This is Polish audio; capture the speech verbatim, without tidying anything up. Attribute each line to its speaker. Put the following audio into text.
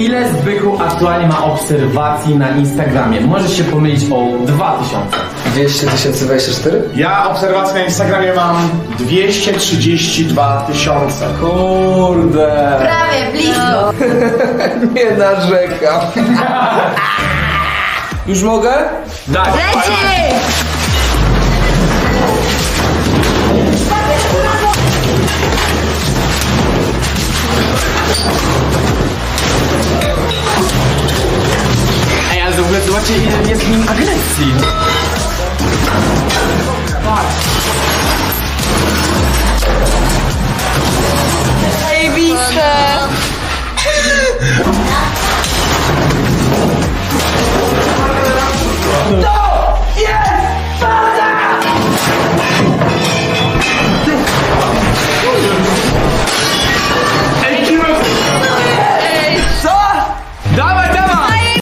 Speaker 1: Ile Zbychu aktualnie ma obserwacji na Instagramie? Możesz się pomylić o dwa tysiące.
Speaker 2: dwieście tysięcy dwadzieścia cztery?
Speaker 3: Ja obserwacje na Instagramie mam dwieście trzydzieści dwa tysiące.
Speaker 2: Kurde.
Speaker 4: Prawie, blisko.
Speaker 2: Nie narzekam. Już mogę?
Speaker 1: Tak.
Speaker 4: Leci!
Speaker 1: Ej, ale w ogóle zobaczcie, ile jest w nim agresji.
Speaker 4: Zajebiste.